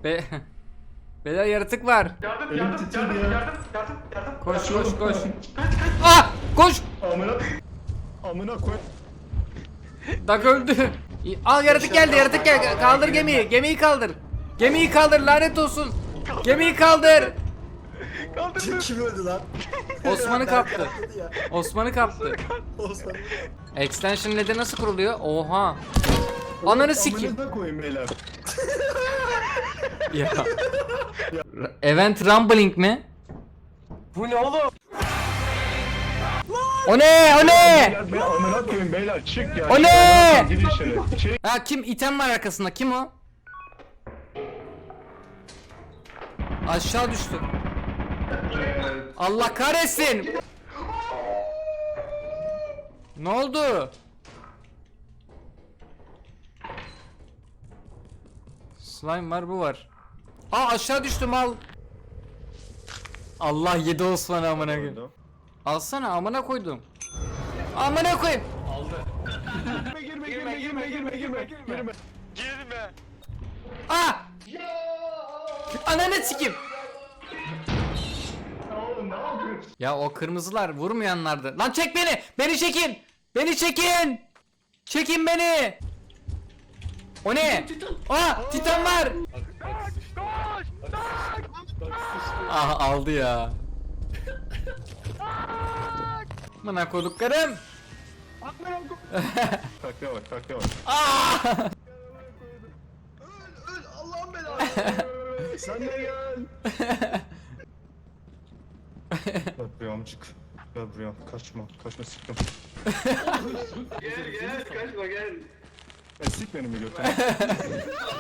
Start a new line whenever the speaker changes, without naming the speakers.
Be Beyler yaratık var.
Yardım.
Koş. Ah! Koş!
Amına koy.
Dak öldü. Al yaratık geldi. Kaldır gemiyi. Gemiyi kaldır. Gemiyi kaldır lanet olsun. Gemiyi kaldır.
Kim öldü lan?
Osman'ı kaptı. Osman'ı kaptı.
Osman.
Extension LED'e nasıl kuruluyor? Oha. Ananı sikeyim.
Amına koyayım beyler.
Ya. Event Rumbling mi?
Bu ne oğlum?
O ne?
Amına koyayım beyler, çık ya.
O ne?
Gir içeri. Çık.
Ha kim? İtem var arkasında. Kim o? Aşağı düştü. Allah kahretsin. Ne oldu? Slime var, bu var. Aa aşağı düştüm, al. Allah yedi Osman'ı amına koyayım. Alsana, amına koydum. Amına koyayım.
Girme.
Girme.
Aa! Ananı sikeyim.
Oğlum ne yapıyorsun?
Ya o kırmızılar vurmayanlardı. Lan çek beni! Beni çekin! Beni çekin! Çekin beni! O ne? Aa! Titan var! Ah aldı ya. Bana koduklarım.
Takla bak.
Aa!
Öl Allah'ın belası.
Sen de gel. Gel buraya amcık. Gel buraya. Kaçma sıktım.
Gel kaçma gel.
Sik beni mi götüne?